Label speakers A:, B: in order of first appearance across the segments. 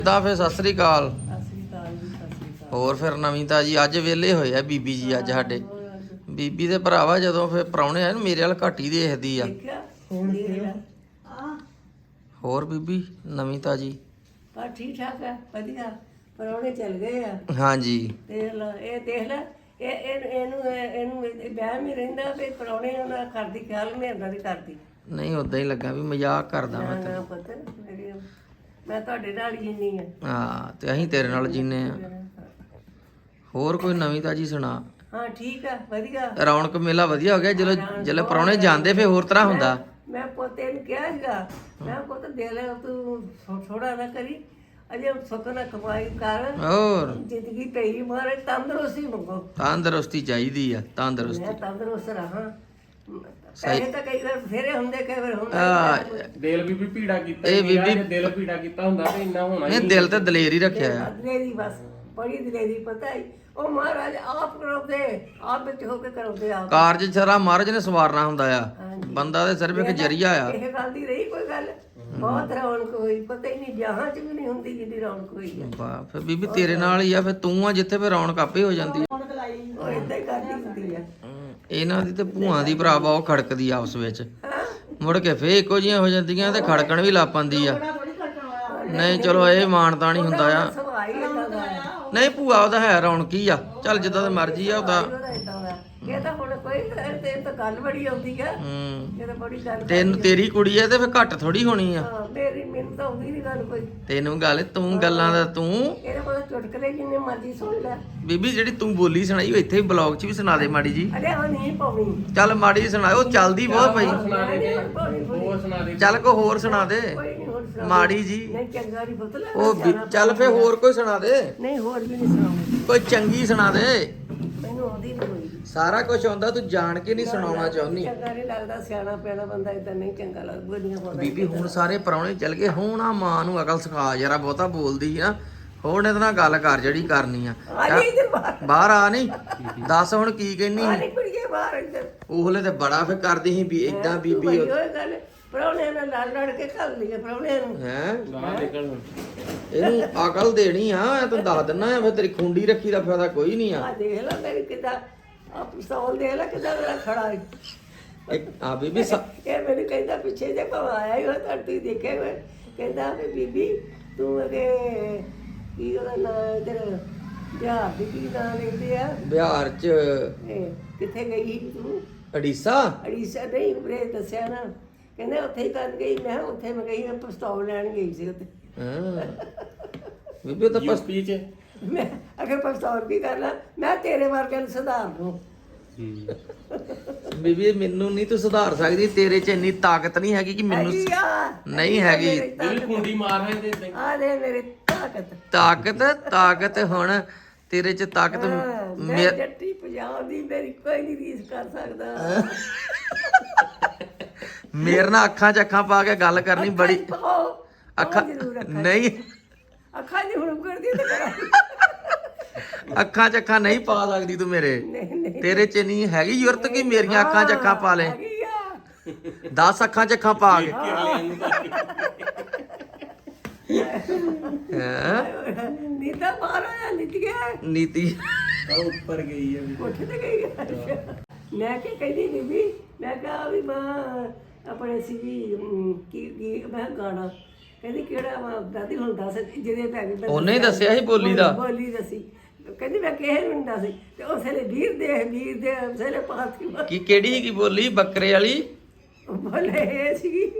A: ਦਾ ਫੇ ਸਤਿ ਸ੍ਰੀ ਅਕਾਲ।
B: ਸਤਿ ਸ੍ਰੀ ਅਕਾਲ ਜੀ, ਸਤਿ ਸ੍ਰੀ ਅਕਾਲ।
A: ਹੋਰ ਫਿਰ ਨਵੀਂ ਤਾਜੀ ਅੱਜ ਵਿਹਲੇ ਹੋਏ ਆ ਬੀਬੀ ਜੀ ਅੱਜ ਸਾਡੇ। ਬੀਬੀ ਦੇ ਭਰਾਵਾ ਜਦੋਂ ਫੇ ਪ੍ਰਾਹੁਣੇ ਆਏ ਮੇਰੇ ਵੱਲ ਘੱਟ ਹੀ ਦੇਖਦੀ ਆ।
B: ਦੇਖਿਆ ਹੁਣ ਦੇਖ ਲੈ
A: ਹੋਰ ਬੀਬੀ ਨਵੀਂ ਤਾਜੀ?
B: ਪਰ ਠੀਕ ਠਾਕ ਹੈ, ਵਧੀਆ। ਪਰੌਣੇ ਚੱਲ ਗਏ ਆ।
A: ਹਾਂਜੀ
B: ਦੇਖ ਲੈ, ਇਹ ਦੇਖ ਲੈ, ਇਹਨੂੰ ਵਹਿਮ ਹੀ ਰਹਿੰਦਾ ਵੀ ਪਰੌਣੇ ਉਹਨਾਂ ਕਰਦੀ ਖਿਆਲ ਮੇਰੇ ਨਾਲ ਨਹੀਂ ਕਰਦੀ।
A: ਨਹੀਂ ਉਦਾਂ ਹੀ ਲੱਗਾ ਵੀ ਮਜ਼ਾਕ ਕਰਦਾ
B: ਨਾ
A: ਮੈਂ
B: ਨਾ ਪੁੱਤ, ਮੈਂ ਤੁਹਾਡੇ ਨਾਲ ਹੀ ਜਿੰਨੀ ਆ।
A: ਹਾਂ ਤੇ ਅਸੀਂ ਤੇਰੇ ਨਾਲ ਜੀਨੇ ਆ। ਹੋਰ ਕੋਈ ਨਵੀਂ ਤਾਜੀ ਸੁਣਾ।
B: ਹਾਂ ਠੀਕ ਆ, ਵਧੀਆ।
A: ਰੌਣਕ ਮੇਲਾ ਵਧੀਆ ਹੋ ਗਿਆ ਜਦੋਂ ਪ੍ਰਾਹੁਣੇ ਜਾਂਦੇ ਫੇ ਹੋਰ ਤਰ੍ਹਾਂ ਹੁੰਦਾ।
B: ਮੈਂ ਪੋਤੇ ਨੂੰ ਕਿਹਾ ਸੀਗਾ, ਮੈਂ ਪੁੱਤ ਦੇ ਲੈ ਤੂੰ ਥੋੜਾ ਨਾ ਕਰੀ, ਅਜੇ ਸੁੱਖ ਨਾ ਕਮਾਈ ਕਰ,
A: ਹੋਰ
B: ਜ਼ਿੰਦਗੀ ਪਈ ਮਾਰੇ ਤੰਦਰੁਸਤੀ ਮੰਗੋ।
A: ਤੰਦਰੁਸਤੀ ਚਾਹੀਦੀ ਆ, ਤੰਦਰੁਸਤੀ।
B: ਮੈਂ ਤੰਦਰੁਸਤ ਰਹਾਂ। ਪੈਸੇ ਤਾਂ ਕਈ ਵਾਰ ਫੇਰੇ ਹੁੰਦੇ, ਕਈ ਵਾਰ ਹੁੰਦਾ
C: ਦਿਲ ਵੀ ਭੀੜਾ ਕੀਤਾ।
A: ਇਹ ਬੀਬੀ
C: ਦਿਲ ਭੀੜਾ ਕੀਤਾ ਹੁੰਦਾ ਤੇ ਇੰਨਾ ਹੋਣਾ
A: ਇਹ ਦਿਲ ਤੇ ਦਲੇਰ ਹੀ ਰੱਖਿਆ ਆ।
B: ਦਲੇਰੀ, ਬਸ ਬੜੀ ਦਲੇਰੀ। ਪਤਾ ਹੀ ਉਹ ਮਹਾਰਾਜ ਆਪ ਕਰਾਉਂਦੇ, ਆਪ ਵਿੱਚ ਹੋ ਕੇ ਕਰਾਉਂਦੇ ਆਪ।
A: ਕਾਰਜ ਸਾਰਾ ਮਹਾਰਾਜ ਨੇ ਸਵਾਰਨਾ ਹੁੰਦਾ ਆ, ਬੰਦਾ ਤੇ ਸਿਰਫ ਇੱਕ ਜਰੀਆ ਆ।
B: ਇਹ ਗੱਲ ਦੀ ਰਹੀ ਕੋਈ ਗੱਲ, ਬਹੁਤ ਰੌਣਕ ਹੋਈ। ਪਤਾ ਹੀ ਨਹੀਂ ਜਹਾਂ ਚ ਵੀ ਨਹੀਂ ਹੁੰਦੀ ਜਿੰਨੀ ਰੌਣਕ ਹੋਈ ਆ।
A: ਵਾਹ ਫੇ ਬੀਬੀ ਤੇਰੇ ਨਾਲ ਹੀ ਆ, ਫੇ ਤੂੰ ਆ ਜਿੱਥੇ ਫੇ ਰੌਣਕ ਆਪੇ ਹੋ ਜਾਂਦੀ ਆ।
B: ਉਹ ਏਦਾਂ ਹੀ ਕਰਦੀ ਹੁੰਦੀ ਆ।
A: ਇਹਨਾਂ ਦੀ ਤੇ ਭੂਆ ਦੀ ਭਰਾਵਾ ਉਹ ਖੜਕਦੀ ਆਪਸ ਵਿੱਚ, ਮੁੜ ਕੇ ਫੇ ਇੱਕੋ ਜਿਹੀਆਂ ਹੋ ਜਾਂਦੀਆਂ ਤੇ ਖੜਕਣ ਵੀ ਲੱਗ ਪੈਂਦੀ ਆ। ਨਹੀਂ ਚਲੋ ਇਹ ਮਾਨਤਾ ਨਹੀਂ ਹੁੰਦਾ ਆ।
B: ਸੁਭਾਅ ਹੀ ਏਦਾਂ ਦਾ ਆ।
A: ਨਹੀਂ ਭੂਆ ਉਹਦਾ ਹੈ ਰੌਣਕੀ ਆ, ਚੱਲ ਜਿੱਦਾਂ ਦਾ ਮਰਜੀ ਆ ਉਹਦਾ।
B: ਉਹਦਾ ਏਦਾਂ ਦਾ। ਇਹ ਤਾਂ ਹੁਣ ਕੋਈ ਤੇ ਤਾਂ ਗੱਲ ਬੜੀ ਆਉਂਦੀ ਆ। ਇਹ ਤਾਂ ਬੜੀ ਗੱਲ
A: ਤੈਨੂੰ ਤੇਰੀ ਕੁੜੀ ਆ ਤੇ ਫੇ ਘੱਟ ਥੋੜੀ ਹੋਣੀ ਆ।
B: ਹਾਂ, ਮੈਨੂੰ ਤਾਂ ਆਉਂਦੀ ਨਹੀਂ ਗੱਲ ਕੋਈ।
A: ਤੈਨੂੰ ਗੱਲ ਤੂੰ ਗੱਲਾਂ ਦਾ ਤੂੰ
B: ਇਹਦੇ ਕੋਲ ਚੁਟਕਲੇ ਜਿੰਨੇ ਮਰਜ਼ੀ ਸੁਣ ਲੈ।
A: ਬੀਬੀ ਜਿਹੜੀ ਤੂੰ ਬੋਲੀ ਸੁਣਾਈ ਉਹ ਇੱਥੇ ਵੀ ਬਲੌਗ 'ਚ ਵੀ ਸੁਣਾ ਦੇ ਮਾੜੀ ਜੀ।
B: ਅਰੇ ਉਹ ਨਹੀਂ ਪਾਉਣੀ।
A: ਚੱਲ ਮਾੜੀ ਜੀ ਸੁਣਾ, ਉਹ ਚੱਲਦੀ ਬਹੁਤ ਪਈ।
C: ਹੋਰ ਸੁਣਾ ਦੇ।
A: ਚੱਲ ਕੋ ਹੋਰ ਸੁਣਾ ਦੇ
B: ਕੋਈ ਨਹੀਂ ਹੋਰ ਸੁਣਾ।
A: ਮਾੜੀ ਜੀ।
B: ਨਹੀਂ ਚੰਗਾ ਨਹੀਂ ਪੁੱਤ ਲੈ।
A: ਉਹ ਚੱਲ ਫੇ ਹੋਰ ਕੋਈ ਸੁਣਾ ਦੇ,
B: ਨਹੀਂ ਹੋਰ ਵੀ ਨਹੀਂ ਸੁਣਾਉਂਦੀ।
A: ਕੋਈ ਚੰਗੀ ਸੁਣਾ ਦੇ।
B: ਮੈਨੂੰ ਆਉਂਦੀ ਨਹੀਂ ਕੋਈ।
A: ਸਾਰਾ ਕੁਝ ਆਉਂਦਾ, ਤੂੰ ਜਾਣ ਕੇ ਨਹੀਂ ਸੁਣਾਉਣਾ ਚਾਹੁੰਦੀ।
B: ਚੰਗਾ ਨਹੀਂ ਲੱਗਦਾ, ਸਿਆਣਾ ਪਿਆਣਾ ਬੰਦਾ ਇਦਾਂ ਨਹੀਂ ਚੰਗਾ ਲੱਗਦਾ। ਬੋਲੀਆਂ ਪਾਉਂਦਾ
A: ਬੀਬੀ ਹੁਣ ਸਾਰੇ ਪ੍ਰਾਹੁਣੇ ਚੱਲ ਗਏ, ਹੁਣ ਆ ਮਾਂ ਨੂੰ ਅਕਲ ਸਿਖਾ ਜਰਾ, ਬਹੁਤਾ ਬੋਲਦੀ ਆ। ਹੁਣ ਇਹਦੇ ਨਾਲ ਗੱਲ ਕਰ ਜਿਹੜੀ ਕਰਨੀ ਆ।
B: ਆ ਨਹੀਂ ਇੱਧਰ ਬਾਹਰ।
A: ਬਾਹਰ ਆ ਨਹੀਂ, ਦੱਸ ਹੁਣ ਕੀ ਕਹਿਨੀ।
B: ਆ ਨਹੀਂ ਕੁੜੀਏ ਬਾਹਰ ਇੱਧਰ।
A: ਉਹਲੇ ਤੇ ਬੜਾ ਫੇ ਕਰਦੀ ਸੀ ਵੀ ਏਦਾਂ ਬੀਬੀ
B: ਉਹ ਗੱਲ ਪ੍ਰਾਹੁਣਿਆਂ ਨਾਲ ਲੜ ਕੇ ਘੱਲ ਲਈਏ ਪ੍ਰਾਹੁਣਿਆਂ ਨੂੰ।
A: ਹੈ
C: ਗਾਲਾਂ ਨਿਕਲ ਹੁਣ।
A: ਇਹਨੂੰ ਅਕਲ ਦੇਣੀ ਆ, ਮੈਂ ਤੈਨੂੰ ਦੱਸ ਦਿੰਦਾ ਆ। ਫੇ ਤੇਰੀ ਖੁੰਡੀ ਰੱਖੀ ਦਾ ਫਾਇਦਾ ਕੋਈ ਨਹੀਂ ਆ।
B: ਆ ਦੇਖ ਲੈ ਮੇਰੀ ਕਿੱਦਾਂ ਆ ਪਿਸਤੌਲ ਦੇਖ ਲੈ ਕਿੱਦਾਂ ਮੇਰਾ ਖੜਾ ਹੈ।
A: ਆ ਬੀਬੀ
B: ਇਹ ਮੈਨੂੰ ਕਹਿੰਦਾ ਪਿੱਛੇ ਜੇ ਭਾਵੇਂ ਆਇਆ ਹੀ ਹੋ ਤਾਂ ਤੁਸੀਂ ਦੇਖਿਆ ਹੋਇਆ। ਕਹਿੰਦਾ ਵੀ ਬੀਬੀ ਤੂੰ ਅਗੇ ਕੀ ਉਹਦਾ ਨਾਂ ਇੱਧਰ ਬਿਹਾਰ ਦੀ ਕੀ ਨਾਂ ਲੈਂਦੇ ਆ
A: ਬਿਹਾਰ ਚ
B: ਇਹ ਕਿੱਥੇ ਗਈ ਸੀ ਤੂੰ?
A: ਅੜੀਸਾ।
B: ਅੜੀਸਾ ਨਹੀਂ ਉਰੇ ਦੱਸਿਆ ਨਾ। ਕਹਿੰਦੇ ਉੱਥੇ ਹੀ ਕਰਨ ਗਈ। ਮੈਂ ਕਿਹਾ ਉੱਥੇ ਮੈਂ ਗਈ, ਮੈਂ ਪਿਸਤੌਲ ਲੈਣ ਗਈ ਸੀ ਉੱਥੇ।
A: ਹਾਂ ਬੀਬੀ ਉਹ ਤਾਂ
C: ਯੂਪੀ ਚ
B: ਮੈਂ ਅਗਰ ਪਿਸਤੌਲ ਕੀ ਕਰਨਾ, ਮੈਂ ਤੇਰੇ ਵਰਗੇ ਨੂੰ ਸੁਧਾਰ ਦੂੰ।
A: ਬੀਬੀ ਮੈਨੂੰ ਨਹੀਂ ਤੂੰ ਸੁਧਾਰ ਸਕਦੀ, ਤੇਰੇ 'ਚ ਇੰਨੀ ਤਾਕਤ ਨਹੀਂ ਹੈਗੀ ਕਿ ਮੈਨੂੰ
B: ਹੈਗੀ ਆ,
A: ਨਹੀਂ ਹੈਗੀ।
C: ਜਿਹੜੀ ਖੁੰਡੀ ਮਾਰ ਹੈ ਤੇ
B: ਆ ਦੇ ਮੇਰੀ ਤਾਕਤ।
A: ਤਾਕਤ ਹੁਣ ਤੇਰੇ 'ਚ ਤਾਕਤ
B: ਮੈਂ ਜੱਟੀ ਪੰਜਾਬ ਦੀ, ਮੇਰੀ ਕੋਈ ਨਹੀਂ ਰੀਸ ਕਰ ਸਕਦਾ।
A: ਮੇਰੇ ਨਾਲ ਅੱਖਾਂ 'ਚ ਅੱਖਾਂ ਪਾ ਕੇ ਗੱਲ ਕਰਨੀ ਬੜੀ ਅੱਖਾਂ ਨਹੀਂ,
B: ਅੱਖਾਂ ਨਹੀਂ ਹੁਣ ਕਰਦੀ ਤੇ ਕਰਾਂ।
A: ਅੱਖਾਂ 'ਚ ਅੱਖਾਂ ਨਹੀਂ ਪਾ ਸਕਦੀ ਤੂੰ ਮੇਰੇ।
B: ਨਹੀਂ
A: ਤੇਰੇ 'ਚ ਨਹੀਂ ਹੈਗੀ ਜ਼ਰੂਰਤ ਕਿ ਮੇਰੀਆਂ ਅੱਖਾਂ 'ਚ ਅੱਖਾਂ ਪਾ ਲੈ।
B: ਹੈਗੀ ਆ।
A: 10 ਅੱਖਾਂ 'ਚ ਅੱਖਾਂ ਪਾ ਕੇ
B: ਨੀਤਾ ਬਾਹਰ ਆਇਆ, ਨਿੱਤ ਗਿਆ
A: ਨੀਤੀ
C: ਉੱਪਰ ਗਈ ਹੈ।
B: ਕੋਠੇ ਤੇ ਗਈ ਆ। ਮੈਂ ਕੀ ਕਹਿੰਦੀ ਬੀਬੀ, ਮੈਂ ਕਿਹਾ ਵੀ ਮਾਂ ਆਪਣੇ ਸੀ ਕੀ ਮੈਂ ਗਾਣਾ ਕਹਿੰਦੀ ਕਿਹੜਾ ਵਾ ਦਾਦੀ ਹੁਣ ਦੱਸ ਜਿਹਦੇ ਪੈ ਗਈ।
A: ਉਹਨੇ ਹੀ ਦੱਸਿਆ ਸੀ ਬੋਲੀ ਦਾ।
B: ਬੋਲੀ ਦੱਸੀ ਕਹਿੰਦੀ ਮੈਂ ਕਿਸੇ ਨੂੰ ਨਹੀਂ ਦੱਸੀ ਤੇ ਉਸ ਵੇਲੇ ਵੀਰ ਦੇ ਉਸ ਵੇਲੇ ਪਾਤੀ
A: ਕੀ ਕਿਹੜੀ ਹੈਗੀ ਬੋਲੀ? ਬੱਕਰੇ ਵਾਲੀ
B: ਬੋਲੇ ਇਹ ਸੀਗੀ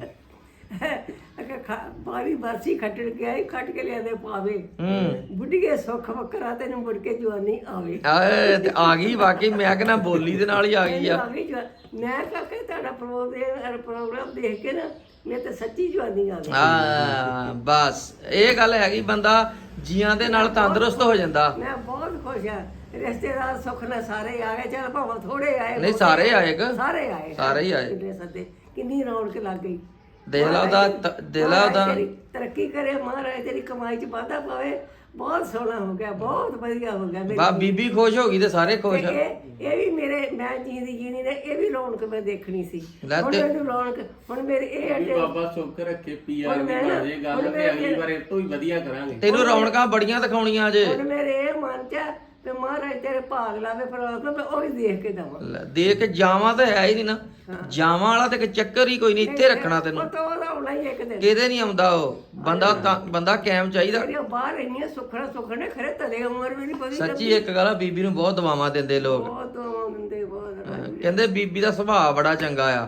B: ਬਾਰੀ ਬਰਸੀ ਖੱਟਣ ਗਿਆ ਹੀ, ਖੱਟ ਕੇ ਲਿਆਦੇ ਪਾਵੇ ਬੁੱਢੀਏ ਸੁੱਖ ਵੱਖਰਾ ਤੈਨੂੰ ਮੁੜ ਕੇ ਜਵਾਨੀ ਆਵੇ।
A: ਆਏ ਤੇ ਆ ਗਈ ਵਾਕਈ, ਮੈਂ ਕਹਿੰਦਾ ਬੋਲੀ ਦੇ ਨਾਲ ਹੀ ਆ ਗਈ ਆ।
B: ਮੈਂ ਕਾਕੇ ਤੁਹਾਡਾ ਪ੍ਰੋਗਰਾਮ ਦੇਖ ਕੇ ਨਾ ਮੈਂ ਤਾਂ ਸੱਚੀ ਜਵਾਨੀ ਆ ਗਈ।
A: ਹਾਂ ਬਸ ਇਹ ਗੱਲ ਹੈਗੀ, ਬੰਦਾ ਜੀਆਂ ਦੇ ਨਾਲ ਤੰਦਰੁਸਤ ਹੋ ਜਾਂਦਾ।
B: ਮੈਂ ਬਹੁਤ ਖੁਸ਼ ਆ। ਰਿਸ਼ਤੇਦਾਰ ਸੁੱਖ ਨਾਲ ਸਾਰੇ ਆ ਗਏ, ਚੱਲ ਭਾਵੇਂ ਥੋੜੇ ਆਏ।
A: ਨਹੀਂ ਸਾਰੇ ਆਏਗਾ,
B: ਸਾਰੇ ਆਏ,
A: ਸਾਰੇ ਹੀ ਆਏ।
B: ਕਿੰਨੇ ਸੱਦੇ, ਕਿੰਨੀ ਰੌਣਕ ਲੱਗ ਗਈ।
A: ਦੇਖ ਲਾ ਉਹਦਾ ਦੇਖ ਲਾ ਉਹਦਾ
B: ਤੇਰੀ ਤਰੱਕੀ ਕਰੇ ਮਹਾਰਾਜ, ਤੇਰੀ ਕਮਾਈ ਚ ਵਾਧਾ ਪਾਵੇ। ਬਹੁਤ ਸੋਹਣਾ ਹੋ ਗਿਆ, ਬਹੁਤ ਵਧੀਆ ਹੋ ਗਿਆ।
A: ਬਾ ਬੀਬੀ ਖੁਸ਼ ਹੋ ਗਈ ਤੇ ਸਾਰੇ ਖੁਸ਼ ਆ।
B: ਇਹ ਵੀ ਮੇਰੇ, ਮੈਂ ਜੀਂਦੀ ਜੀਣੀ ਨੇ ਇਹ ਵੀ ਰੌਣਕ ਮੈਂ ਦੇਖਣੀ ਸੀ।
A: ਲੈ
B: ਹੁਣ
A: ਤੇ-
B: ਮੈਨੂੰ ਰੌਣਕ, ਹੁਣ ਮੇਰੇ ਇਹ
C: ਵੀ ਬਾਬਾ ਸੁੱਖ ਰੱਖੇ ਪੀਆਰ ਦੀ ਬਾਜੇ ਗੱਲ ਤੇ ਅਗਲੀ ਵਾਰ ਇਹ ਤੋਂ ਹੀ ਵਧੀਆ ਕਰਾਂਗੇ।
A: ਤੈਨੂੰ ਰੌਣਕਾਂ ਬੜੀਆਂ ਦਿਖਾਉਣੀਆਂ ਜੇ।
B: ਹੁਣ ਮੇਰੇ ਇਹ ਮਨ ਚ ਆ ਵੀ ਮਹਾਰਾਜ ਤੇਰੇ ਭਾਗ ਲਾਵੇ, ਪਰ ਮੈਂ ਉਹ ਵੀ ਦੇਖ ਕੇ ਦਵਾਂ।
A: ਲੈ, ਦੇਖ ਕੇ ਜਾਵਾਂ ਤਾਂ ਹੈ ਹੀ ਨਹੀਂ ਨਾ, ਜਾਵਾਂ ਵਾਲਾ ਤੇ ਇੱਕ ਚੱਕਰ ਹੀ ਕੋਈ ਨਹੀਂ, ਇੱਥੇ ਰੱਖਣਾ ਤੈਨੂੰ।
B: ਉਹ ਤਾਂ ਉਹਦਾ ਹੋਣਾ ਹੀ ਇੱਕ ਦਿਨ।
A: ਕਿਤੇ ਨਹੀਂ ਆਉਂਦਾ ਉਹ ਬੰਦਾ ਕਾਇਮ ਚਾਹੀਦਾ।
B: ਜਿਹੜੀਆਂ ਬਾਹਰ ਇੰਨੀਆਂ ਸੁੱਖਣੇ ਖਰੇ ਤਲੇ ਉਮਰ ਵੀ ਨਹੀਂ ਪਈ।
A: ਸੱਚੀ ਇੱਕ ਗੱਲ ਆ, ਬੀਬੀ ਨੂੰ ਬਹੁਤ ਦੁਆਵਾਂ ਦਿੰਦੇ ਲੋਕ।
B: ਬਹੁਤ ਦਿੰਦੇ, ਬਹੁਤ।
A: ਕਹਿੰਦੇ ਬੀਬੀ ਦਾ ਸੁਭਾਅ ਬੜਾ ਚੰਗਾ ਆ।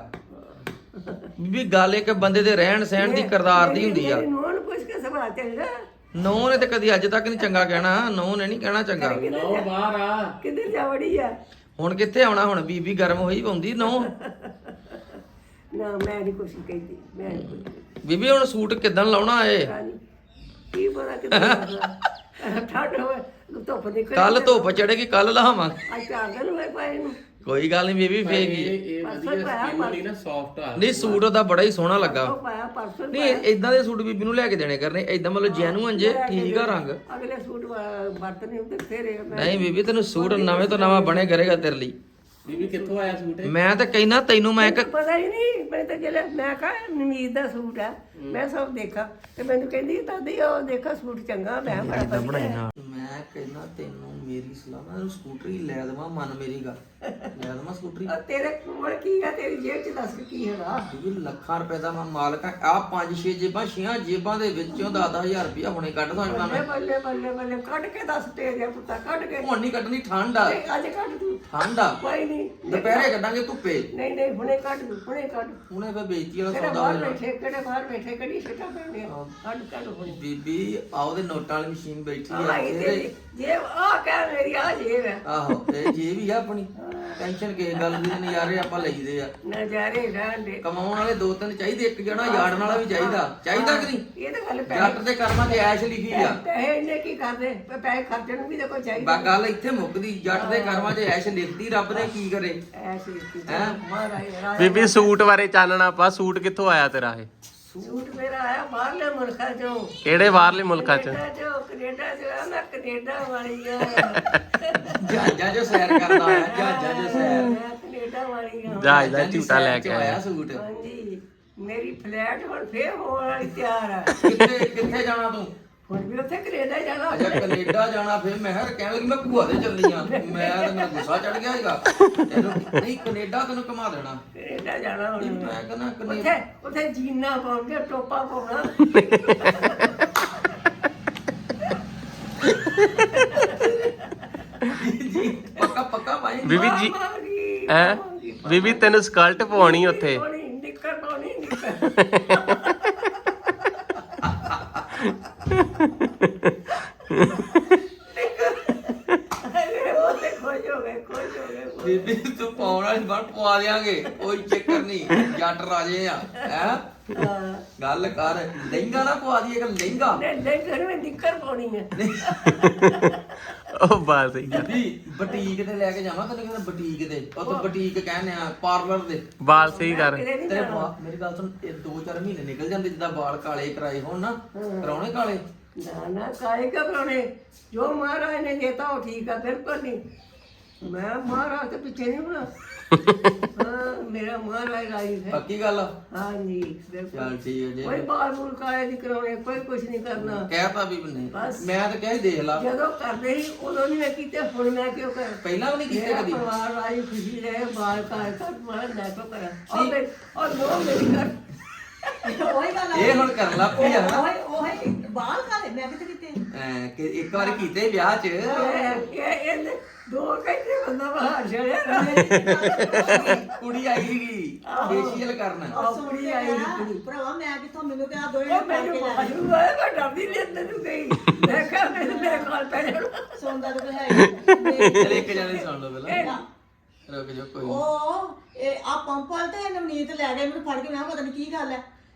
A: ਬੀਬੀ ਗੱਲ ਇੱਕ ਬੰਦੇ ਦੇ ਰਹਿਣ ਸਹਿਣ ਦੀ ਕਿਰਦਾਰ ਦੀ ਹੁੰਦੀ ਆ।
B: ਮੇਰੀ ਨੂੰਹ ਨੂੰ ਪੁੱਛ ਕੇ ਸੁਭਾਅ ਚੰਗਾ।
A: ਨੂੰਹ ਨੇ ਤੇ ਕਦੀ ਅੱਜ ਤੱਕ ਨਹੀਂ ਚੰਗਾ ਕਹਿਣਾ, ਨੂੰਹ ਨੇ ਨਹੀਂ ਕਹਿਣਾ ਚੰਗਾ।
C: ਨੌ ਬਾਹਰ ਆ।
B: ਕਿੱਧਰ ਜਾ ਵੜੀ ਆ?
A: ਹੁਣ ਕਿੱਥੇ ਆਉਣਾ, ਹੁਣ ਬੀਬੀ ਗਰਮ ਹੋਈ ਪਾਉਂਦੀ ਨੂੰਹ।
B: ਨਾ ਮੈਂ ਨਹੀਂ ਕੁਛ ਕਹਿੰਦੀ, ਮੈਂ ਨਹੀਂ ਕੁਛ ਕਹਿੰਦੀ।
A: ਬੀਬੀ ਹੁਣ ਸੂਟ ਕਿੱਦਣ ਲਾਉਣਾ ਏ?
B: ਰਾਣੀ, ਕੀ ਪਤਾ ਕਿੱਧਰ ਠੰਡ ਹੋਵੇ, ਧੁੱਪ ਨਿਕਲ
A: ਕੱਲ ਧੁੱਪ ਚੜੇਗੀ, ਕੱਲ ਲਾਵਾਂਗੇ।
B: ਅੱਜ 4 ਦਿਨ ਹੋਏ ਪਏ ਨੂੰ।
A: ਕੋਈ ਗੱਲ ਨਹੀਂ ਬੀਬੀ ਫੇਗੀ।
C: ਇਹ ਵਧੀਆ ਸਕਿਨ ਵਾਲੀ ਨਾ ਸੌਫਟ ਆ।
A: ਨਹੀਂ ਸੂਟ ਉਹਦਾ ਬੜਾ ਹੀ ਸੋਹਣਾ ਲੱਗਾ।
B: ਉਹ ਪਾਇਆ ਪਰਸੋਂ ਹੀ
A: ਨਹੀਂ ਇਦਾਂ ਦੇ ਸੂਟ ਬੀਬੀ ਨੂੰ ਲੈ ਕੇ ਦੇਣੇ ਕਰਨੇ, ਇਦਾਂ ਮਤਲਬ ਜੈਨੂਅਨ ਜੇ ਠੀਕ ਆ ਰੰਗ।
B: ਅਗਲੇ ਸੂਟ ਵਰਤਨੇ ਹੁੰਦੇ ਫੇਰੇ ਮੈਂ।
A: ਨਹੀਂ ਬੀਬੀ ਤੈਨੂੰ ਸੂਟ ਨਵੇਂ ਤੋਂ ਨਵਾਂ ਬਣੇ ਕਰੇਗਾ ਤੇਰੇ ਲਈ।
C: ਬੀਬੀ ਕਿੱਥੋਂ ਆਇਆ ਸੂਟ ਇਹ?
A: ਮੈਂ ਤਾਂ ਕਹਿਣਾ ਤੈਨੂੰ ਮੈਂ ਇੱਕ
B: ਪਤਾ ਹੀ ਨਹੀਂ, ਮੈਂ ਤਾਂ ਜਿਹੜੇ ਮੈਂ ਕਹਾ ਨਮੀਦ ਦਾ ਸੂਟ ਆ, ਮੈਂ ਸਭ ਦੇਖਾ ਤੇ ਮੈਨੂੰ ਕਹਿੰਦੀ ਦਾਦੀ ਉਹ ਦੇਖਾ ਸੂਟ ਚੰਗਾ। ਮੈਂ ਬੜਾ ਵਧੀਆ।
A: ਬਣਾਈਨਾ। ਮੈਂ ਕਹਿਣਾ ਤੈਨੂੰ ਮੇਰੀ ਸਲਾਹ ਨਾਲ ਸਕੂਟਰੀ ਲੈ ਦੇਵਾਂ, ਮੰਨ ਮੇਰੀ ਗੱਲ, ਲੈ ਦੇਵਾਂ ਸਕੂਟਰੀ।
B: ਤੇਰੇ ਕੋਲ ਕੀ ਆ? ਤੇਰੀ ਜੇਬ ਚ ਦੱਸ ਕੀ ਹੈਗਾ?
A: ਇਹ ਲੱਖਾਂ ਰੁਪਏ ਦਾ ਮੈਂ ਮਾਲਕ ਆ। ਆ 5-6 ਜੇਬਾਂ, 6 ਜੇਬਾਂ ਦੇ ਵਿੱਚੋਂ 10-10,000 ਰੁਪਇਆ ਹੁਣੇ ਕੱਢ ਸਕਦਾ ਮੈਂ।
B: ਬੱਲੇ ਬੱਲੇ ਬੱਲੇ ਕੱਢ ਕੇ ਦੱਸ ਤੇਰੇ ਪੁੱਤਾ, ਕੱਢ ਕੇ।
A: ਹੁਣ ਨਹੀਂ ਕੱਢਣੀ, ਠੰਡ ਆ।
B: ਅੱਜ ਕੱਢ ਤੂੰ।
A: ਠੰਡ ਆ,
B: ਕੋਈ ਨਹੀਂ,
A: ਦੁਪਹਿਰੇ ਕੱਢਾਂਗੇ ਧੁੱਪੇ।
B: ਨਹੀਂ ਨਹੀਂ ਹੁਣੇ ਕੱਢ ਤੂੰ, ਹੁਣੇ ਕੱਢ।
A: ਹੁਣੇ ਫੇ ਬੇਇੱਜ਼ਤੀ ਵਾਲਾ
B: ਕਿਹੜੇ
A: ਸੌਦਾ
B: ਬਾਹਰ
A: ਹੋ ਜਾਣਾ।
B: ਬੈਠੇ, ਕਿਹੜੇ ਬਾਹਰ ਬੈਠੇ, ਕਿਹੜੀ ਸਿੱਟਾ ਪੈਣੇ ਕੱਢ ਕੱਢ ਹੁਣੇ।
A: ਬੀਬੀ ਆ ਉਹਦੇ ਨੋਟਾਂ ਵਾਲੀ ਮਸ਼ੀਨ ਬੈਠੀ ਆ
B: ਆਈ
A: ਇੱਥੇ।
B: ਤੇਰੀ ਜੇਬ ਆ ਕਹਿ ਮੇਰੀ ਆ ਜੇਬ ਹੈ।
A: ਆਹੋ ਇਹ ਜੇ ਵੀ ਆ ਆਪਣੀ ਟੈਨਸ਼ਨ ਕਿਸੇ ਗੱਲ ਦੀ ਨੀ, ਨਜ਼ਾਰੇ ਆਪਾਂ ਲਈਦੇ ਆ।
B: ਨਜ਼ਾਰੇ ਰਹਿਣ ਦੇ।
A: ਕਮਾਉਣ ਵਾਲੇ 2-3 ਚਾਹੀਦੇ, ਇੱਕ ਜਣਾ ਯਾੜਨ ਵਾਲਾ ਵੀ ਚਾਹੀਦਾ ਕਿ ਨਹੀਂ?
B: ਇਹ ਤਾਂ ਗੱਲ ਪੈ
A: ਜੱਟ ਦੇ ਕਰਮਾਂ 'ਚ ਐਸ਼ ਲਿਖੀ ਆ।
B: ਪੈਸੇ ਇਹਨੇ ਕੀ ਕਰਦੇ? ਪੈਸੇ ਖਰਚਣ ਨੂੰ ਵੀ ਤਾਂ ਕੋਈ ਚਾਹੀਦਾ।
A: ਬਾ ਗੱਲ ਇੱਥੇ ਮੁੱਕਦੀ, ਜੱਟ ਦੇ ਕਰਮਾਂ 'ਚ ਐਸ਼ ਲਿਖਦੀ, ਰੱਬ ਨੇ ਕੀ ਕਰੇ।
B: ਐਸੇ ਕੀਤੀ
A: ਹੈਂ?
B: ਮਹਾਰਾਜ
C: ਬੀਬੀ ਸੂਟ ਬਾਰੇ ਚਾਨਣਾ ਪਾ, ਸੂਟ ਕਿੱਥੋਂ ਆਇਆ ਤੇਰਾ ਇਹ?
B: ਸੂਟ ਮੇਰਾ ਆਇਆ ਬਾਹਰਲੇ ਮੁਲਕਾਂ ਚੋਂ।
C: ਕਿਹੜੇ ਬਾਹਰਲੇ ਮੁਲਕਾਂ ਚ?
B: ਕੈਨੇਡਾ ਚ ਆ, ਮੈਂ ਕੈਨੇਡਾ ਵਾਲੀ ਆ।
A: ਜਹਾਜ਼ਾਂ 'ਚ ਸੈਰ ਕਰਦਾ ਆ, ਜਹਾਜ਼ਾਂ 'ਚ ਸੈਰ।
B: ਮੈਂ ਕੈਨੇਡਾ ਵਾਲੀ ਆ।
C: ਜਹਾਜ਼ ਦਾ
A: ਜਹਾਜ਼ਾਂ ਦੀ
C: ਝੂਟਾ ਲੈ
A: ਸੈਰ 'ਚ
C: ਕੇ
A: ਆਇਆ
C: ਆਇਆ।
A: ਸੂਟ।
B: ਹਾਂਜੀ, ਮੇਰੀ ਫਲੈਟ ਹੁਣ ਫੇਰ ਹੋਣ ਵਾਲੀ ਤਿਆਰ ਆ।
A: ਕਿੱਥੇ ਜਾਣਾ ਤੂੰ?
B: ਹੁਣ ਵੀ ਉੱਥੇ ਕੈਨੇਡਾ ਜਾਣਾ।
A: ਅੱਛਾ ਕੈਨੇਡਾ ਜਾਣਾ, ਫਿਰ ਮੈਂ ਕਿਹਾ ਕਹਿਣ ਲੱਗੀ ਮੈਂ ਭੂਆ ਦੇ ਚੱਲੀ ਆ। ਮੈਂ ਤਾਂ ਮੇਰਾ ਗੁੱਸਾ ਚੜ ਗਿਆ ਹੈਗਾ। ਤੈਨੂੰ ਨਹੀਂ ਕੈਨੇਡਾ ਤੈਨੂੰ ਘੁਮਾ ਦੇਣਾ।
B: ਕੈਨੇਡਾ ਜਾਣਾ ਹੁਣ।
A: ਮੈਂ ਕਹਿੰਦਾ ਕੈਨੇਡਾ
B: ਉੱਥੇ ਜੀਨਾ ਪਾਉਣਗੇ, ਟੋਪਾ ਪਾਉਣਾ।
A: ਪੱਕਾ ਭਾਈ।
C: ਬੀਬੀ ਜੀ
B: ਪਾਵਾਂਗੀ,
C: ਐ
B: ਪਾਵਾਂਗੀ,
C: ਬੀਬੀ ਤੈਨੂੰ ਸਕਲਟ ਪਵਾਉਣੀ ਉੱਥੇ।
B: ਪਾਉਣੀ, ਨਿੱਕਰ ਪਾਉਣੀ, ਨਿੱਕਰ। ਉਹ ਤੇ ਖੁਸ਼ ਹੋ ਗਏ, ਖੁਸ਼ ਹੋ ਗਏ।
A: ਬੀਬੀ ਤੂੰ ਪਾਉਣ ਵਾਲੀ ਬਣ ਪਵਾ ਦਿਆਂਗੇ, ਕੋਈ ਚੱਕਰ ਨਹੀਂ, ਜੱਟ ਰਾਜੇ ਆ ਹੈ।
B: ਹਾਂ।
A: ਗੱਲ ਕਰ, ਲਹਿੰਗਾ ਨਾ ਪਵਾ ਦਈਏ, ਕਿ ਲਹਿੰਗਾ।
B: ਨਹੀਂ ਘਰ ਵਿੱਚ ਨਿੱਕਰ ਪਾਉਣੀ ਹੈ।
C: ਉਹ ਬਾਤ ਸਹੀ ਆ।
A: ਬੀਬੀ ਬੁਟੀਕ ਤੇ ਲੈ ਕੇ ਜਾਵਾਂ ਕਦੇ ਕਦੇ, ਬੁਟੀਕ ਤੇ ਉੱਥੇ ਬੁਟੀਕ ਕਹਿੰਦੇ ਆ, ਪਾਰਲਰ ਦੇ।
C: ਬਾਲ ਸਹੀ ਕਰ।
B: ਕਿਤੇ ਨਹੀਂ
A: ਤੇਰੇ
B: ਜਾਣਾ।
A: ਮੇਰੀ ਗੱਲ ਸੁਣ, ਇਹ 2-4 ਮਹੀਨੇ ਨਿਕਲ ਜਾਂਦੇ ਜਿੱਦਾਂ ਵਾਲ ਕਾਲੇ ਕਰਾਏ ਹੋਣ ਨਾ, ਕਰਾਉਣੇ ਕਾਲੇ।
B: ਨਾ ਨਾ ਕਾਲੇ ਕਰਾਉਣੇ, ਜੋ ਮਹਾਰਾਜ ਨੇ ਦੇਤਾ ਉਹ ਠੀਕ ਆ, ਬਿਲਕੁਲ ਨਹੀਂ। ਮੈਂ ਮਹਾਰਾਜ ਤੇ ਪਿੱਛੇ ਨਹੀਂ ਹੋਣਾ। ਹਾਂ, ਮੇਰਾ ਮਹਾਰਾਜ ਰਾਈ ਹੈ।
A: ਪੱਕੀ ਗੱਲ ਆ?
B: ਹਾਂਜੀ ਬਿਲਕੁਲ।
A: ਚੱਲ ਠੀਕ ਹੈ ਜੀ।
B: ਕੋਈ ਬਾਲ ਬੂਲ ਕਾਲੇ ਨਹੀਂ ਕਰਾਉਣੇ, ਕੋਈ ਕੁਝ ਨਹੀਂ ਕਰਨਾ।
A: ਕਹਿਤਾ ਵੀ ਨਹੀਂ,
B: ਬਸ।
A: ਮੈਂ ਤਾਂ ਕਿਹਾ ਸੀ ਦੇਖ ਲਾ।
B: ਜਦੋਂ ਕਰਦੇ ਸੀ ਉਦੋਂ ਨਹੀਂ ਮੈਂ ਕੀਤੇ, ਹੁਣ ਮੈਂ ਕਿਉਂ ਕਰਾਂ?
A: ਪਹਿਲਾਂ ਵੀ ਨਹੀਂ ਕੀਤੇ
B: ਮੇਰਾ
A: ਕਦੀ।
B: ਪਰਿਵਾਰ ਰਾਈ ਖੁਸ਼ੀ ਰਹੇ, ਬਾਲ ਕਾਲੇ ਕਰ ਮੈਂ ਨਾ ਕਿਉਂ ਕਰਾਂ? ਔਰ ਨੋ ਮੇਰੀ ਕਰ।
D: ਉਹੀ ਗੱਲ
A: ਇਹ ਹੁਣ ਕਰਨ ਲੱਗ ਪਈ ਆ ਨਾ।
D: ਉਹੀ ਬਾਲ ਕਾਲੇ ਮੈਂ ਕਿਤੇ ਕਿਤੇ
A: ਐਂ ਕਿ ਇੱਕ ਵਾਰ ਕੀਤੇ ਵਿਆਹ 'ਚ।
B: ਇਹ 2 ਘੰਟੇ ਬੰਦਾ ਬਾਹਰ ਚੜਿਆ।
A: ਕੁੜੀ ਆਈ ਸੀਗੀ ਫੇਸ਼ੀਅਲ ਕਰਨ।
B: ਕੁੜੀ ਆਈ ਸੀ ਕੁੜੀ।
D: ਭਰਾਵਾ ਮੈਂ ਕਿੱਥੋਂ, ਮੈਨੂੰ ਤੇ ਆ ਦੋਏ
B: ਉਹ ਮੈਨੂੰ ਬਾਜੂ ਆਇਆ, ਮੈਂ ਡਰਦੀ ਨਹੀਂ ਅੰਦਰ ਨੂੰ ਗਈ। ਮੈਂ ਕਿਹਾ ਮੈਨੂੰ ਮੇਰੇ ਕੋਲ ਪੈ ਜਾਣਾ।
D: ਸੌਂਦਾ ਤਾਂ ਹੈ
A: ਚਲ ਇੱਕ ਜਣੇ ਸੁਣ ਲਓ ਪਹਿਲਾਂ, ਰੁਕ ਜਾ ਕੋਈ ਨੀ।
D: ਉਹ ਇਹ ਆ ਪੰਪ ਵਾਲ ਤੇ ਨਵਨੀਤ ਲੈ ਗਏ ਮੈਨੂੰ ਫੜ ਕੇ, ਮੈਂ ਕਿਹਾ ਪਤਾ ਨਹੀਂ ਕੀ ਗੱਲ ਹੈ।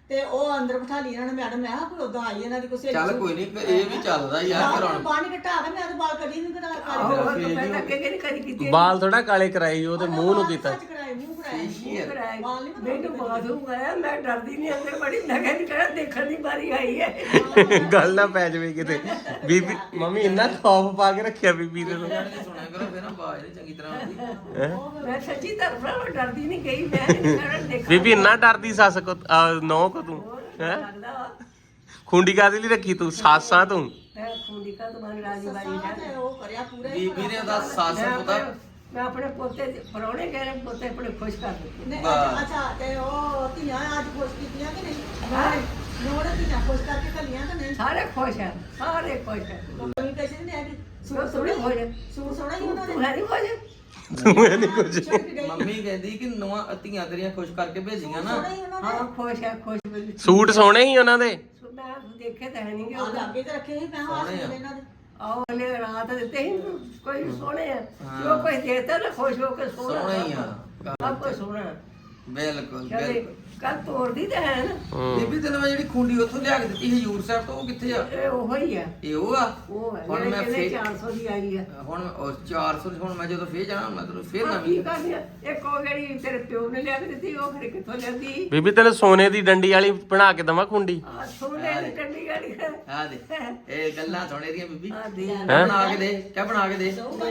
D: ਤੇ ਉਹ ਅੰਦਰ ਬਿਠਾ ਲਈ ਇਹਨਾਂ ਨੇ ਮੈਡਮ ਮੈਂ ਕਿਹਾ ਕੋਈ ਉਦਾਂ ਆਈ ਇਹਨਾਂ ਦੀ ਕੋਈ ਸਹੇਲੀ
A: ਚੱਲ ਕੋਈ ਨਹੀਂ ਇਹ ਵੀ ਚੱਲਦਾ ਯਾਰ ਕਰਾਉਣ
D: ਬਾਹਰ ਨਹੀਂ ਘਟਾ ਕੇ ਮੈਂ ਤਾਂ ਬਾਲ ਕਦੀ ਨਹੀਂ ਕਰਾ
B: ਮੈਂ ਤਾਂ ਅੱਗੇ ਕਿਹੜੀ ਕਦੀ ਕੀਤੀ
E: ਬਾਲ ਥੋੜਾ ਕਾਲੇ ਕਰਾਈ ਉਹ ਤੇ ਮੂੰਹ ਨੂੰ ਕੀਤਾ
D: ਕਰਾਏ ਮੂੰਹ ਕਰਾਏ
B: ਕਰਾਇਆ ਮੈਨੂੰ ਬਾਥਰੂਮ ਆਇਆ ਮੈਂ ਡਰਦੀ ਨਹੀਂ ਅੰਦਰ ਬੜੀ ਨਗੇ ਨਹੀਂ ਕਰਾ ਦੇਖਣ ਦੀ ਵਾਰੀ ਆਈ ਹੈ
E: ਗੱਲ ਨਾ ਪੈ ਜਾਵੇ ਕਿਤੇ ਬੀਬੀ ਮੰਮੀ ਇੰਨਾ ਖੌਫ ਪਾ ਕੇ ਰੱਖਿਆ ਬੀਬੀ ਦੇ ਤੋਂ
A: ਸੁਣਿਆ ਕਰੋ ਫਿਰ ਨਾ ਆਵਾਜ਼ ਨੀ ਚੰਗੀ ਤਰ੍ਹਾਂ ਆਉਂਦੀ
B: ਮੈਂ ਸੱਚੀ ਤਰਫਾ ਡਰਦੀ ਨਹੀਂ ਗਈ ਮੈਂ ਨਹੀਂ ਕਰਾ ਦੇਖਾ
E: ਬੀਬੀ ਇੰਨਾ ਡਰਦੀ ਸੱਸ ਕੋ ਨੌ ਕੋ ਤੂੰ ਹੈ
B: ਲੱਗਦਾ ਵਾ।
E: ਖੁੰਡੀ ਕਾਦੀ ਲਈ ਰੱਖੀ ਤੂੰ ਸਾਸਾਂ ਤੂੰ
B: ਮੈਂ ਖੁੰਡੀ ਕਾ ਤੁਹਾਡੀ ਰਾਜੀ ਬਾਈ
D: ਤੇ ਉਹ ਕਰਿਆ ਪੂਰਾ ਹੀ
A: ਬੀਬੀ ਨੇ ਉਹਦਾ ਸੱਸ ਪਤਾ
B: ਮੈਂ ਆਪਣੇ ਪੋਤੇ ਪਰੌਣੇ ਕਹਿ ਰਹੇ ਪੋਤੇ ਆਪਣੇ ਖੁਸ਼ ਕਰ ਦਿੱਤੇ
D: ਨਹੀਂ, ਅੱਛਾ ਤੇ ਉਹ ਧੀਆਂ ਅੱਜ ਖੁਸ਼ ਕੀਤੀਆਂ ਕਿ ਨਹੀਂ ਨੋੜ ਧੀਆਂ ਖੁਸ਼ ਕਰਕੇ ਘੱਲੀਆਂ ਕਿ ਨਹੀਂ
B: ਸਾਰੇ ਖੁਸ਼ ਹੈ ਸਾਰੇ ਖੁਸ਼ ਹੈ
D: ਕੋਈ ਕਿਸੇ ਨੇ ਕਿ
B: ਸੋ ਸੋਹਣੇ ਹੋ ਜਾ
D: ਸੂਟ ਸੋਹਣਾ ਹੀ ਉਹਨਾਂ
B: ਤੂੰ ਹੈ ਨਹੀਂ ਹੋ ਜਾ
E: ਤੂੰ ਇਹ ਨਹੀਂ ਕੁਝ
D: ਦੇ
A: ਮੰਮੀ ਕਹਿੰਦੀ ਕਿ ਨਵਾਂ ਧੀਆਂ ਤੇਰੀਆਂ ਖੁਸ਼ ਕਰਕੇ ਭੇਜੀਆਂ ਨਾ
D: ਸੋਹਣਾ ਹੀ ਉਹਨਾਂ ਨੇ
B: ਹਾਂ ਖੁਸ਼ ਹੈ ਖੁਸ਼ ਬਿਲਕੁਲ
E: ਸੂਟ ਸੋਹਣੇ ਹੀ ਉਹਨਾਂ ਦੇ
B: ਮੈਂ ਦੇਖੇ ਤਾਂ ਹੈ ਨਹੀਂ
D: ਆ ਲਾਗੇ ਤੇ ਰੱਖੇ ਸੀ ਮੈਂ ਹਾਸ ਇਹਨਾਂ ਦੇ
B: ਆਓ ਹਲੇ ਰਾਤ ਦਿੱਤੇ ਹੀ ਕੋਈ ਸੋਹਣੇ ਆ ਜੋ ਕੋਈ ਦੇਤਾ ਨਾ ਖੁਸ਼ ਹੋ ਕੇ ਸੋਹਣਾ
A: ਸੋਹਣਾ ਹੀ ਆ
B: ਸਭ ਕੁਝ ਸੋਹਣਾ
A: ਬਿਲਕੁਲ
B: ਚਲੇ
A: ਬਿਲਕੁਲ
B: ਕੱਲ ਤੋੜਦੀ ਤਾਂ ਹੈ ਨਾ
A: ਬੀਬੀ ਤੈਨੂੰ ਮੈਂ ਜਿਹੜੀ ਖੁੰਡੀ ਉੱਥੋਂ ਲਿਆ ਕੇ ਦਿੱਤੀ ਹਜੂਰ ਸਾਹਿਬ ਤੋਂ ਉਹ ਕਿੱਥੇ ਆ
B: ਇਹ ਉਹ ਹੀ ਆ
A: ਇਹ ਉਹ ਆ
B: ਉਹ ਹੈ
A: ਹੁਣ
B: ਜਿਹੜੇ
A: ਮੈਂ
B: ਕਹਿੰਦੇ
A: ਫੇਰ
B: 400 ਦੀ ਆਈ ਆ
A: ਹੁਣ ਉਹ 400 ਹੁਣ ਮੈਂ ਜਦੋਂ ਫੇਰ ਜਾਣਾ ਮੈਂ ਤੈਨੂੰ ਫੇਰ
B: ਹਾਂ,
A: ਨਵੀਂ
B: ਕੀ ਕਰਨੀ ਆ ਇੱਕ ਉਹ ਜਿਹੜੀ ਤੇਰੇ ਪਿਓ ਨੇ ਲਿਆ ਕੇ ਦਿੱਤੀ ਉਹ ਫਿਰ ਕਿੱਥੋਂ ਲਿਆਂਦੀ
E: ਬੀਬੀ ਤੈਨੂੰ ਸੋਨੇ ਦੀ ਡੰਡੀ ਵਾਲੀ ਬਣਾ ਕੇ ਦਵਾਂ ਖੁੰਡੀ
B: ਆ ਸੋਨੇ ਦੀ ਟੰਡੀ ਗਾੜੀ ਹੈ
A: ਆ ਦੇ ਇਹ ਗੱਲਾਂ ਸੁਣੇ ਦੀਆਂ ਬੀਬੀ
B: ਆ ਦੇ
A: ਕਿਆ ਬਣਾ ਕੇ ਦੇ ਕਿਆ ਬਣਾ ਕੇ ਦੇ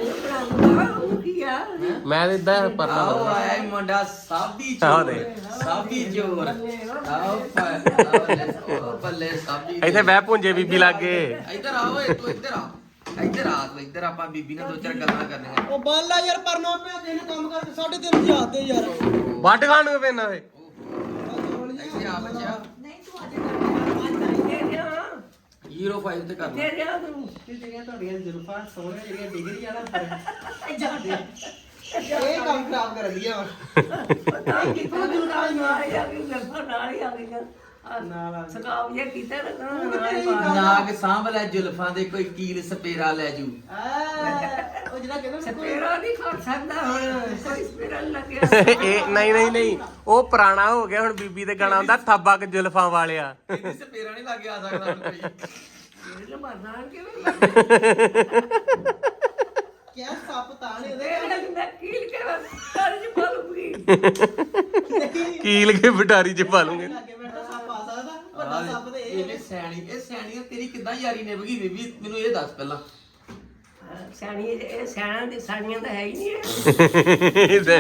B: ਉਹ ਕੀ ਆ
E: ਮੈਂ ਤੇ ਇਦਾਂ ਪਰਨਾ
A: ਆਓ ਆਇਆ ਈ ਮੁੰਡਾ ਸਾਬੀ
E: ਆਹ
A: ਚੋਰ
E: ਦੇ।
A: ਸਾਬੀ ਚੋਰ ਆਓ ਉਹ ਬੱਲੇ ਸਾਬੀ
E: ਇੱਥੇ ਬਹਿ ਪੁੰਜੇ ਬੀਬੀ ਲਾਗੇ
A: ਇੱਧਰ ਆਓ ਏ ਤੂੰ ਇੱਧਰ ਆ ਇੱਧਰ ਆ ਤੂੰ ਇੱਧਰ ਆਪਾਂ ਬੀਬੀ ਨਾਲ ਦੋ ਚਾਰ ਗੱਲਾਂ ਕਰਨੀਆਂ
F: ਉਹ ਬਾਲਾ ਯਾਰ ਪਰਨਾ ਪਿਆ ਦਿਨ ਕੰਮ ਕਰਕੇ 3:30 ਵਜੇ ਆਤੇ ਯਾਰ
E: ਵੱਟ ਖਾਣ ਨੂੰ ਪੈਣਾ ਵੇ
A: ਇੱਥੇ ਆ ਬੱਚਾ
D: ਨਹੀਂ ਤੂੰ ਅੱਜ
B: ਦੇ ਦਿਆਂ
A: 05 ਤੇ ਕਰਨਾ
B: ਦੇ ਦਿਆਂ ਤੂੰ
F: ਜਿਹੜੀਆਂ ਤੁਹਾਡੀਆਂ ਜ਼ੁਲਫਾਂ ਸੋਹਣੀਆਂ ਜਿਹੜੀਆਂ ਡਿਗਰੀ ਵਾਲਾ ਇਹ ਕੰਮ ਖਰਾਬ ਕਰ ਦਿਆ
B: ਪਤਾ ਨਹੀਂ ਕਿੱਥੋਂ ਜੁੜਾ ਨਾਲ ਹੀ ਆ ਗਈ ਗਲਫਾ ਨਾਲ ਹੀ ਆ ਗਈ
F: ਨਾਲ ਆ
B: ਸਕਾਬ ਇਹ ਕੀਤਾ ਨਾ
A: ਨਾਗ ਸਾਂਭ ਲੈ ਜ਼ੁਲਫਾਂ ਦੇ ਕੋਈ ਕੀਲ ਸਪੇਰਾ ਲੈ ਜੂ
F: ਉਹ ਜਿਹੜਾ ਕਹਿੰਦਾ
B: ਸਪੇਰਾ ਨਹੀਂ ਖੜ ਸਕਦਾ ਹੁਣ ਕੋਈ ਸਪੇਰਾ ਨੀ ਲੱਗਿਆ
E: ਇਹ ਨਹੀਂ ਉਹ ਪੁਰਾਣਾ ਹੋ ਗਿਆ ਹੁਣ ਬੀਬੀ ਦੇ ਗਾਣਾ ਹੁੰਦਾ ਥੱਬਾ ਕੇ ਜ਼ੁਲਫਾਂ ਵਾਲਿਆ
A: ਇਹਦੀ ਸਪੇਰਾ ਨਹੀਂ ਲੱਗ ਆ ਸਕਦਾ ਹੁਣ ਕੋਈ
B: ਇਹਨੇ ਮਰਨਾ ਕਿਵੇਂ ਲੱਗਦਾ
F: ਕਿਆ ਸੱਪ ਤਾਣੇ
B: ਇਹ ਮੈਂ ਕੀਲ ਕੇ ਕਰ ਜੀ ਬੋਲੂਗੀ
E: ਕੀਲ ਕੇ ਬਟਾਰੀ ਚ ਪਾ ਲੂੰਗੇ
F: ਲੱਗੇ ਬੈਠਾ ਸੱਪ ਆ ਸਕਦਾ ਵੱਡਾ ਸੱਪ ਤੇ ਇਹ
A: ਇਹਨੇ ਇਹ ਸਿਆਣੀ ਤੇਰੀ ਕਿੱਦਾਂ ਯਾਰੀ ਨਿਭਗੀ ਬੀਬੀ ਮੈਨੂੰ ਇਹ ਦੱਸ ਪਹਿਲਾਂ
B: ਸਿਆਣੀ ਇਹ ਸਿਆਣਾ ਦੀ ਸਾਣੀਆਂ ਤਾਂ ਹੈ ਹੀ ਨਹੀਂ ਇਹ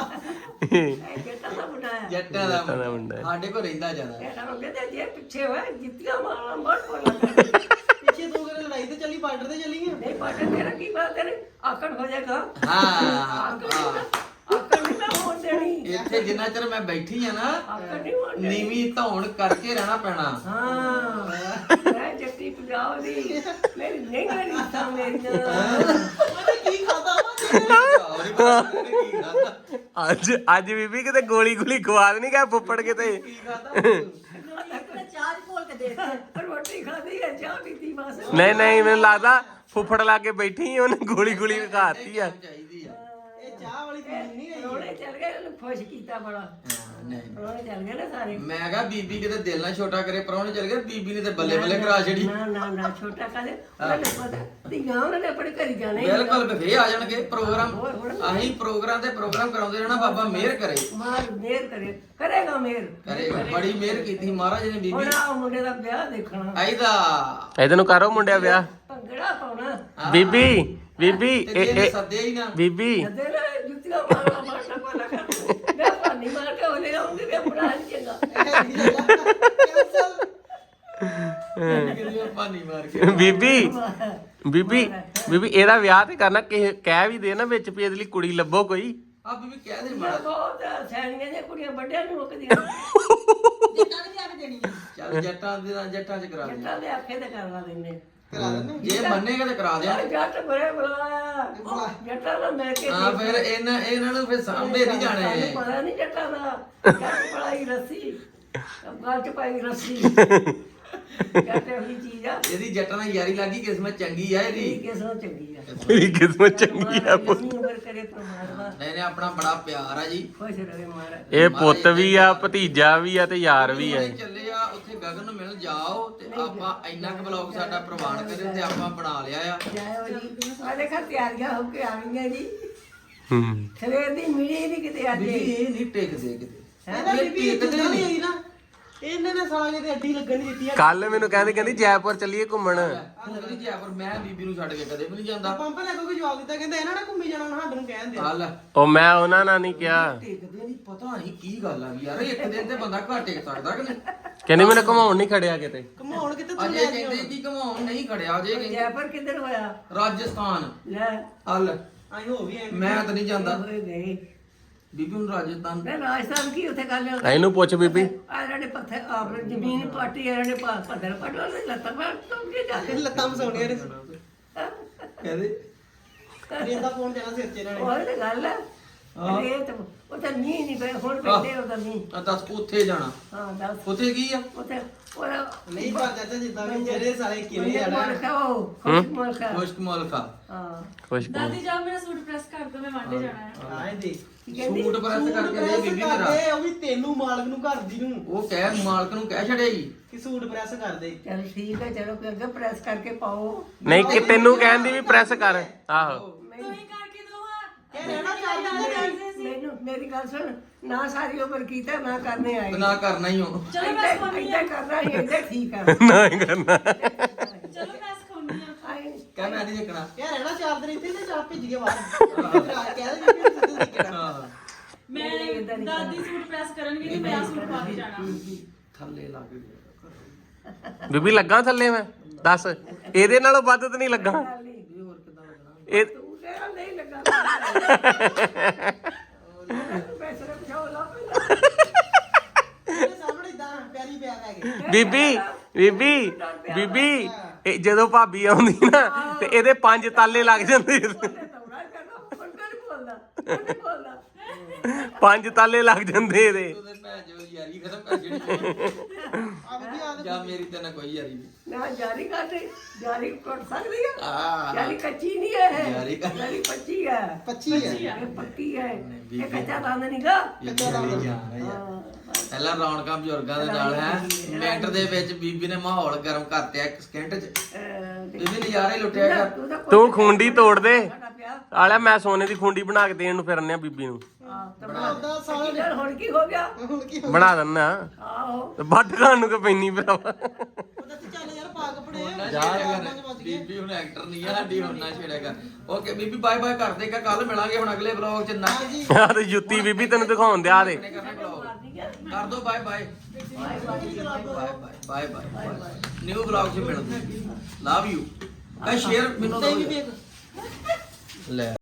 B: ਕਿਤਾ ਦਾ ਬਣਾਇਆ
A: ਜੱਟਾਂ ਦਾ
E: ਦਾ ਮੁੰਡਾ ਹੈ।
A: ਸਾਡੇ ਕੋਲ ਰਹਿੰਦਾ ਜ਼ਿਆਦਾ
B: ਇਹ ਤਾਂ ਕਹਿੰਦੇ ਜੇ ਪਿੱਛੇ ਹੋਇਆ ਜਿੱਤੀਆਂ ਮਾਰਨਾ ਬਹੁਤ ਬੋਲਦਾ
F: ਪਿੱਛੇ ਤੂੰ ਕਿਹੜੇ ਲੜਾਈ ਤੇ ਚੱਲੀ ਬਾਰਡਰ ਤੇ ਚੱਲੀ ਆ
B: ਨਹੀਂ ਪਾਟੇ ਤੇਰਾ ਕੀ ਬਾਤ ਤੇਰੇ ਆਕੜ ਹੋ ਜਾਏਗਾ
A: ਹਾਂ
B: ਆਕੜ ਨਹੀਂ ਨਾ ਹੋਣ ਦੇਣੀ
A: ਇੱਥੇ ਜਿੰਨਾ ਚਿਰ ਮੈਂ ਬੈਠੀ ਆ ਨਾ
B: ਆਕੜ ਨਹੀਂ ਹੋਣ ਦੇਣੀ
A: ਨੀਵੀਂ ਧੌਣ ਕਰਕੇ ਰਹਿਣਾ ਪੈਣਾ
B: ਹਾਂ ਮੈਂ ਜੱਟੀ ਪੰਜਾਬ ਦੀ ਮੇਰੀ ਨਹੀਂ ਕਰੀ ਤਾਂ ਮੇਰੀਆਂ
F: ਉਹਨੇ ਕੀ ਖਾਦਾ
A: ਔਰ ਹੀ ਪਤਾ ਨੀ ਕੀ ਖਾਦਾ
E: ਅੱਜ ਬੀਬੀ ਕਿਤੇ ਗੋਲੀ ਖਵਾ ਨਹੀਂ ਗਿਆ ਫੁੱਫੜ ਕਿਤੇ
A: ਕੀ ਖਾਦਾ
D: ਚਾਹ ਖੋਲ ਕੇ ਦੇ
B: ਰੋਟੀ ਖਾਦੀ ਹੈ ਚਾਹ ਪੀਤੀ ਬਸ
E: ਨਹੀਂ ਮੈਨੂੰ ਲੱਗਦਾ ਫੁੱਫੜ ਲਾਗੇ ਬੈਠੀ ਉਹਨੇ ਗੋਲੀ ਖਾਤੀ ਆ
A: ਚਾਹੀਦੀ ਆ
F: ਇਹ ਚਾਹ ਵਾਲੀ ਪੀਣੀ ਨਹੀਂ ਗਈ
B: ਰੋਣੇ ਚੱਲ ਗਏ ਉਹਨੂੰ ਖੁਸ਼ ਕੀਤਾ ਬੜਾ
A: ਹਾਂ, ਨਹੀਂ
B: ਰੋਣੇ ਚੱਲ ਗਏ ਨਾ ਸਾਰੇ
A: ਮੈਂ ਕਹਾ ਬੀਬੀ ਕਿਤੇ ਦਿਲ ਨਾ ਛੋਟਾ ਕਰੇ ਪਰੌਣੇ ਚਲ ਗਏ ਬੀਬੀ ਨੇ ਤੇ ਬੱਲੇ ਬੱਲੇ ਕਰਾ ਛੜੀ
B: ਨਾ ਛੋਟਾ ਕਾਲੇ ਉਹਨੇ ਪਤਾ ਧੀਆਂ ਉਹਨਾਂ ਨੇ ਆਪਣੇ ਘਰ ਜਾਣਾ ਹੀ
A: ਬਿਲਕੁਲ ਫੇਰ ਆ ਜਾਣਗੇ ਪ੍ਰੋਗਰਾਮ ਅਸੀਂ ਪ੍ਰੋਗਰਾਮ ਤੇ ਪ੍ਰੋਗਰਾਮ ਕਰਾਉਂਦੇ ਰਹਿਣਾ ਬਾਬਾ ਮਿਹਰ ਕਰੇ
B: ਮਾਰ ਮੇਰ ਕਰੇਗਾ ਮੇਰ
A: ਕਰੇਗਾ ਬੜੀ ਮਿਹਰ ਕੀਤੀ ਮਹਾਰਾਜ ਨੇ ਬੀਬੀ
B: ਹੁਣ ਆ ਮੁੰਡੇ ਦਾ ਵਿਆਹ ਦੇਖਣਾ
A: ਆਈਦਾ
E: ਇਹਦੇ ਨੂੰ ਕਰੋ ਮੁੰਡਿਆ ਵਿਆਹ
B: ਭੰਗੜਾ ਪਾਉਣਾ
E: ਬੀਬੀ
A: ਤੇ ਜੇ ਸੱਦਿਆ ਹੀ ਨਾ
E: ਬੀਬੀ
B: ਜਦੇ ਨਾ ਜੁੱਤੀਆਂ ਮਾਰਨਾ ਕੋਲਾ ਕਰ ਮੈਂ ਪਾਣੀ ਮਾਰ ਕੇ ਉਹਨੇ ਆਉਂਦੇ ਵੇ ਬਣਾ ਚੰਗਾ
A: ਕਿਹਦੀ ਪਾਣੀ ਮਾਰ ਕੇ
E: ਬੀਬੀ ਇਹਦਾ ਵਿਆਹ ਤੇ ਕਰਨਾ ਕਹਿ ਵੀ ਦੇ ਨਾ ਵਿੱਚ ਵੀ ਇਹਦੇ ਲਈ ਕੁੜੀ ਲੱਭੋ ਕੋਈ
A: ਆ ਬੀਬੀ ਕਹਿ ਦੇ ਮਾੜਾ
B: ਬਹੁਤ ਸੈਣੀਆਂ ਦੀਆਂ ਕੁੜੀਆਂ ਵੱਡਿਆਂ ਨੂੰ ਰੋਕਦੀਆਂ
D: ਜਿੱਦਾਂ ਵੀ ਲਿਆ ਕੇ ਦੇਣੀ ਆ
A: ਚੱਲ ਜੱਟਾਂ ਦੇ ਨਾਲ ਜੱਟਾਂ ਚ ਕਰਾ ਦੇ
B: ਜੱਟਾਂ ਦੇ ਆਖੇ ਤੇ ਕਰਵਾ ਦਿੰਦੇ
F: ਕਰਾ ਦਿੰਦੇ
A: ਜੇ ਮੰਨੇਗਾ ਤੇ ਕਰਾ ਦੇ
B: ਜੱਟ ਬਰੇ ਬੁਲਾਇਆ ਜੱਟਾਂ ਦਾ ਮੈਂ ਕੇ
A: ਹਾਂ ਫਿਰ ਇਹਨਾਂ ਨੂੰ ਫਿਰ ਸਾਂਭੇ ਨਹੀਂ ਜਾਣੇ
B: ਸਾਨੂੰ ਪਤਾ ਨਹੀਂ ਜੱਟਾਂ ਦਾ ਜੱਟ ਪੜਾਈ ਰੱਸੀ ਗੱਲ ਚ ਪਾਈ ਰੱਸੀ ਜੱਟ ਇਹੀ ਚੀਜ਼ ਆ
A: ਇਹਦੀ ਜੱਟਾਂ ਨਾਲ ਯਾਰੀ ਲੱਗੀ ਕਿਸਮਤ ਚੰਗੀ ਆ ਇਹਦੀ
B: ਕਿਸ ਨੂੰ ਚੰਗੀ ਆ
E: ਤੇਰੀ ਕਿਸਮਤ ਚੰਗੀ ਆ ਪੁੱਤ
B: ਜਿੰਨੀ ਉਮਰ ਕਰੇ ਪਰਮਾਤਮਾ
A: ਨਹੀਂ ਆਪਣਾ ਬੜਾ ਪਿਆਰ ਆ ਜੀ
B: ਖੁਸ਼ ਰਵੇ ਮਹਾਰਾਜ
E: ਇਹ ਪੁੱਤ ਵੀ ਆ ਭਤੀਜਾ ਵੀ ਆ ਤੇ ਯਾਰ ਵੀ ਆ
A: ਚੱਲੇ ਆ ਗਗਨ ਨੂੰ ਮਿਲ ਜਾਓ ਤੇ ਆਪਾਂ ਇੰਨਾ ਕੁ ਵਲੌਗ ਸਾਡਾ ਪ੍ਰਵਾਨ ਕਰੇ ਤੇ ਆਪਾਂ ਬਣਾ ਲਿਆ ਆ।
B: ਜਾਇਓ ਜੀ ਆ ਦੇਖਾ ਤਿਆਰੀਆਂ ਹੋ ਕੇ ਆਵੀਆਂ ਜੀ
E: ਹੂੰ
B: ਸਵੇਰ ਦੀ ਮਿਲੀ ਨਹੀਂ ਕਿਤੇ ਅੱਜ
A: ਬੀਬੀ ਇਹ ਨਹੀਂ ਟਿਕਦੇ ਕਿਤੇ
F: ਇਹਦਾ ਬੀਬੀ ਇਦਾਂ ਨਹੀਂ ਆਈ ਨਾ ਇਹਨੇ ਨੇ ਸਾਲਾ ਕਿਤੇ ਅੱਡੀ ਲੱਗਣ ਨਹੀਂ ਦਿੱਤੀ ਆ
E: ਕੱਲ ਮੈਨੂੰ ਕਹਿੰਦੀ ਜੈਪੁਰ ਚੱਲੀਏ ਘੁੰਮਣ।
A: ਨਹੀਂ ਜੈਪੁਰ ਮੈਂ ਬੀਬੀ ਨੂੰ ਛੱਡ ਕੇ ਕਦੇ ਵੀ ਨਹੀਂ ਜਾਂਦਾ।
F: ਪੰਪ ਲੈ ਕੋਈ ਜਵਾਬ ਦਿੱਤਾ ਕਹਿੰਦਾ ਇਹਨਾਂ ਨੇ ਘੁੰਮੀ ਜਾਣਾ ਹੁਣ ਸਾਨੂੰ ਕਹਿੰਦੇ
A: ਚੱਲ
E: ਉਹ ਮੈਂ ਉਹਨਾਂ ਨਾਲ ਨਹੀਂ ਕਿਹਾ।
A: ਟਿਕਦੇ ਨਹੀਂ ਪਤਾ ਨਹੀਂ ਕੀ ਗੱਲ ਆ ਵੀ ਯਾਰ ਇੱਕ ਦਿਨ ਤੇ ਬੰਦਾ ਘਰ ਟਿਕ ਸਕਦਾ ਕਿ ਨਹੀਂ।
E: ਕਹਿੰਦੀ ਮੈਨੂੰ ਘੁਮਾਉਣ ਨਹੀਂ ਖੜਿਆ ਕਿਤੇ।
F: ਘੁਮਾਉਣ ਕਿਤੇ ਤੂੰ
A: ਅਜੇ ਕਹਿੰਦੇ ਕਿ ਘਮਾਉਣ ਨਹੀਂ ਖੜਿਆ ਅਜੇ ਕਹਿੰਦੇ
B: ਜੈਪੁਰ ਕਿੱਧਰ ਹੋਇਆ
A: ਰਾਜਸਥਾਨ।
B: ਲੈ
A: ਹਲ
F: ਆਈ ਹੋ ਵੀ ਐ
A: ਮੈਂ ਤਾਂ ਨਹੀਂ ਜਾਂਦਾ
B: ਹੋਏ ਗਏ
A: ਬੀਬੀ ਨੂੰ ਰਾਜਸਥਾਨ।
B: ਮੈਂ ਰਾਜਸਥਾਨ ਕੀ ਉੱਥੇ ਗੱਲ
E: ਇਹਨੂੰ ਪੁੱਛ ਬੀਬੀ।
B: ਆ ਇਹਨਾਂ ਨੇ ਪੱਥਰ ਆਪਣੀ ਜ਼ਮੀਨ ਪਾਟੀ ਇਹਨਾਂ ਨੇ ਪੱਥਰ ਪਟਵਾ ਦੇ ਲੱਤਾਂ ਮਾਰ ਤੋਂ ਕੀ ਜਾ ਕੇ
F: ਲੱਤਾਂ ਮਸਾਉਣੀਆਂ ਨੇ
A: ਕਹਦੇ
F: ਇਹਦਾ ਫੋਨ ਦੇਣਾ ਸਿਰ 'ਚ ਇਹਨਾਂ ਨੇ
B: ਉਹ ਤੇ ਗੱਲ ਹੈ ਇਹ ਤਾਂ ਉਹ ਤਾਂ ਨਹੀਂ ਪਏ ਹੁਣ ਪੈਂਦੇ ਉਹਦਾ ਨਹੀਂ
A: ਦੱਸ ਉੱਥੇ ਜਾਣਾ।
B: ਹਾਂ ਦੱਸ
A: ਉੱਥੇ ਕੀ ਆ?
B: ਉੱਥੇ ਉਹਦਾ
F: ਨਹੀਂ ਪਰ ਚਾਚਾ ਜਿੱਦਾਂ ਵੀ ਜਿਹੜੇ ਸਾਲੇ ਕਿਵੇਂ ਜਾਣਾ
B: ਮੁਲਕ
A: ਖੁਸ਼ਕ ਮੁਲਕਾ।
B: ਹਾਂ
E: ਖੁਸ਼
G: ਦਾਦੀ ਜਾਓ ਮੇਰਾ ਸੂਟ ਪ੍ਰੈਸ ਕਰ ਦੋ ਮੈਂ ਵਾਂਡੇ ਜਾਣਾ ਹੈ
F: ਆਏ ਦੇ
A: ਸੂਟ ਪ੍ਰੈਸ ਕਰਕੇ ਦੇ ਬੀਬੀ ਮੇਰਾ।
F: ਕਰਦੇ ਉਹ ਵੀ ਤੈਨੂੰ ਮਾਲਕ ਨੂੰ ਘਰ ਦੀ ਨੂੰ
A: ਉਹ ਕਹਿ ਮਾਲਕ ਨੂੰ ਕਹਿ ਛੜੇਗੀ
F: ਕਿ ਸੂਟ ਪ੍ਰੈਸ ਕਰ ਦੇ
B: ਚਲ ਠੀਕ ਹੈ ਚਲੋ ਅੱਗੇ ਪ੍ਰੈਸ ਕਰਕੇ ਪਾਓ
E: ਨਹੀਂ ਕਿ ਤੈਨੂੰ ਕਹਿੰਦੀ ਵੀ ਪ੍ਰੈਸ ਕਰ। ਆਹੋ
G: ਤੁਸੀਂ ਕਰਕੇ ਦੋ ਹਾਂ
F: ਇਹ ਰਹਿਣਾ ਚਾਹੀਦਾ
B: ਮੈਨੂੰ ਮੇਰੀ ਗੱਲ ਸੁਣ ਨਾ ਸਾਰੀ ਉਮਰ ਕੀਤਾ ਨਾ ਕਰਨੇ ਆਏ
A: ਨਾ ਕਰਨਾ ਹੀ ਹੋ।
G: ਚਲੋ ਮੈਂ ਸਿਖਾਉਣੀ ਆ
B: ਇੱਦਾਂ ਕਰਨਾ ਹੀ ਇੱਦਾਂ ਠੀਕ ਆ
E: ਨਹੀਂ ਕਰਨਾ।
G: ਚਲੋ ਮੈਂ ਸਿਖਾਉਣੀ ਆ
B: ਆਏ
A: ਕਹਿ ਮੈਂ ਨਹੀਂ ਦੇਖਣਾ।
F: ਯਾਰ ਰਹਿਣਾ 4 ਦਿਨ ਇੱਥੇ ਤੇ ਚਾਹ ਭੇਜ ਕੇ ਬਾਹਰ ਕਹਿ ਦੇ ਕਿ ਸਿੱਧੂ ਦੀ ਕਿਹੜਾ
A: ਹਾਂ
G: ਮੈਂ ਦਾਦੀ ਸੂਟ ਪ੍ਰੈਸ ਕਰਨਗੇ ਤੇ ਮੈਂ ਸੂਟ ਪਾ ਕੇ ਜਾਣਾ
A: ਥੱਲੇ ਲੱਗ ਗਿਆ।
E: ਬੀਬੀ ਲੱਗਾ ਥੱਲੇ ਮੈਂ ਦੱਸ ਇਹਦੇ ਨਾਲੋਂ ਵੱਧ ਤਾਂ ਨਹੀਂ ਲੱਗਾ ਇਹ
B: ਤੂੰ ਤੇਰਾ ਨਹੀਂ ਲੱਗਾ ਪੈਸੇ ਪਛਾਓ ਲਾ
F: ਇਹਦੇ ਸਾਹਮਣੇ ਇਦਾਂ ਪਿਆਰੀ ਪਿਆ ਪੈ ਗਏ
E: ਬੀਬੀ ਇਹ ਜਦੋਂ ਭਾਬੀ ਆਉਂਦੀ ਨਾ ਤੇ ਇਹਦੇ 5 ਤਾਲੇ ਲੱਗ ਜਾਂਦੇ।
B: ਤੌੜਾ ਕਰਦਾ ਹੁਣ ਨਹੀਂ ਬੋਲਦਾ
E: 5 ਤਾਲੇ ਲੱਗ ਜਾਂਦੇ ਇਹਦੇ।
A: ਉਹਦੇ ਭੈਣ ਜੋ ਯਾਰੀ ਖਤਮ ਕਰ ਜਿਹੜੀ ਜਾਂ ਮੇਰੀ ਤੇ ਨਾ ਕੋਈ ਯਾਰੀ ਨਹੀਂ।
B: ਨਾ ਜਾਰੀ ਕਰਦੇ ਜਾਰੀ ਕਰ ਸਕਦੀ ਆ
A: ਆ
B: ਜਾਰੀ ਕੱਚੀ ਨਹੀਂ ਹੈ
A: ਜਾਰੀ ਕਰ-
B: ਜਾਰੀ ਪੱਚੀ ਹੈ
F: 25 ਹੈ
B: ਇਹ ਪੱਕੀ ਹੈ ਇਹ ਕੱਚਾ ਬੰਦ ਨਹੀਂਗਾ
A: ਪਹਿਲਾਂ ਰੌਣਕਾਂ ਬਜ਼ੁਰਗਾਂ ਦੇ ਨਾਲ ਹੈ ਮਿੰਟ ਦੇ ਵਿੱਚ ਬੀਬੀ ਨੇ ਮਾਹੌਲ ਗਰਮ ਕਰਤਿਆ 1 ਸਕਿੰਟ ਚ। ਬੀਬੀ ਨਜ਼ਾਰੇ ਲੁੱਟਿਆ ਕਰ।
E: ਤੂੰ ਖੁੰਡੀ ਤੋੜ ਦੇ
B: ਸਾਡਾ ਪਿਆ
E: ਆਲਿਆ ਮੈਂ ਸੋਨੇ ਦੀ ਖੁੰਡੀ ਬਣਾ ਕੇ ਦੇਣ ਨੂੰ ਫਿਰਨੇ ਆ ਬੀਬੀ ਨੂੰ।
F: ਉਹਦਾ ਸਾਲ
B: ਯਾਰ ਹੁਣ ਕੀ ਹੋ ਗਿਆ
F: ਹੁਣ ਕੀ
E: ਬਣਾ ਦਿੰਨਾ
B: ਆਹੋ
E: ਤੇ ਵੱਢ ਖਾਣ ਨੂੰ ਕਿ ਪੈਣੀ ਭਰਾਵਾ।
F: ਉਹਦਾ ਤੇ ਚੱਲ ਯਾਰ ਪਾ ਕੱਪੜੇ
A: ਜਾ ਕਰ ਬੀਬੀ ਹੁਣ ਐਕਟਰ ਨਹੀਂ ਆ ਸਾਡੀ ਹੁਣ ਨਾ ਛੇੜਿਆ ਕਰ। ਓਕੇ ਬੀਬੀ ਬਾਏ ਬਾਏ ਕਰ ਦੇਗਾ। ਕੱਲ ਮਿਲਾਂਗੇ ਹੁਣ ਅਗਲੇ ਵਲੌਗ ਚ ਨਾ
E: ਆ ਤੇ ਜੁੱਤੀ ਬੀਬੀ ਤੈਨੂੰ ਦਿਖਾਉਣ ਦਿਆ ਦੇ।
A: ਕਰ ਦੋ bye bye bye bye new vlog ਚ ਮਿਲਦੇ। Love you. ਸ਼ੇਅਰ ਮੈਨੂੰ ਦੋ ਲੈ